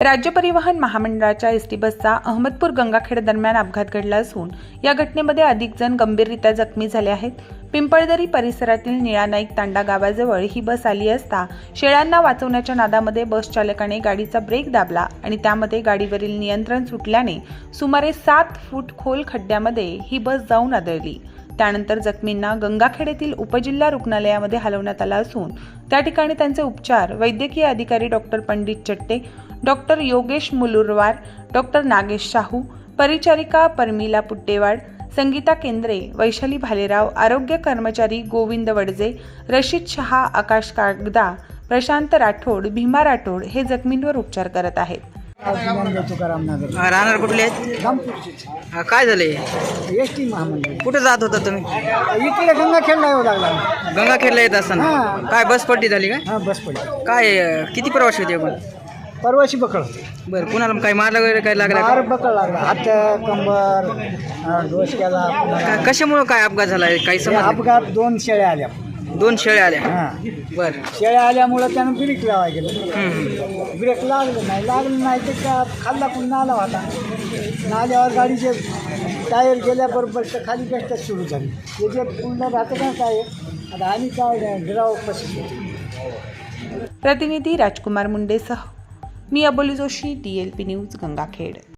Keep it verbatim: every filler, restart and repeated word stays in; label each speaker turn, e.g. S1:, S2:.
S1: राज्य परिवहन महामंडळाच्या एस टी बसचा अहमदपूर गंगाखेड दरम्यान अपघात घडला असून या घटनेमध्ये अधिक जण गंभीररित्या जखमी झाले आहेत। पिंपळदरी परिसरातील निळा नाईक तांडा गावाजवळ ही बस आली असता शेळ्यांना वाचवण्याच्या नादामध्ये बस चालकाने गाडीचा ब्रेक दाबला आणि त्यामध्ये गाडीवरील नियंत्रण सुटल्याने सुमारे सात फूट खोल खड्ड्यामध्ये ही बस जाऊन आदळली। त्यानंतर जखमींना गंगाखेड येथील उपजिल्हा रुग्णालयामध्ये हलवण्यात आलं असून त्या ठिकाणी त्यांचे उपचार वैद्यकीय अधिकारी doctor Pandit Chatte, doctor Yogesh Mulurwar, doctor Nagesh Shahu, परिचारिका परमिला पुट्टेवाड, संगीता केंद्रे, वैशाली भालेराव, आरोग्य कर्मचारी गोविंद वडजे, रशीद शहा, आकाश कागदा, प्रशांत राठोड, भीमा राठोड हे जखमींवर उपचार करत आहेत।
S2: राहणार कुठले आहेत?
S3: रामपूरचे।
S2: काय झाले?
S3: एस टी महामंडळ
S2: कुठे जात होता तुम्ही?
S3: इकडे गंगाखेडला येऊ लागला।
S2: गंगाखेडला येत असताना काय बस पलटी झाली काय?
S3: हां, बस पडली।
S2: काय किती प्रवासी होते आपण?
S3: परवाशी बकळ
S2: बरं, कुणाला काय मारलं वगैरे काय लागलं
S3: मार
S2: का?
S3: बकळ लागला, हात, कंबर, अं, डोसक्याला।
S2: का- कशामुळं काय अपघात झाला काही
S3: हे
S2: समज?
S3: अपघात दोन शेळ्या आल्या।
S2: दोन शेळ्या आल्या।
S3: हां,
S2: बरं।
S3: शेळ्या आल्यामुळं त्यानं ब्रेक लावाय गेलं।
S2: हम्म.
S3: ब्रेक लागलं नाही लागलं नाही तर का खाल्ला पण नाला होता। नाल्यावर गाडीचे टायर गेल्याबरोबर तर खाली कष्ट सुरू झाली। त्याचे पूर्ण राहतं का काय आता आणि काय गिराव पशी।
S1: प्रतिनिधी राजकुमार मुंडेसह मी Aboli Joshi, D L P news Gangakhed.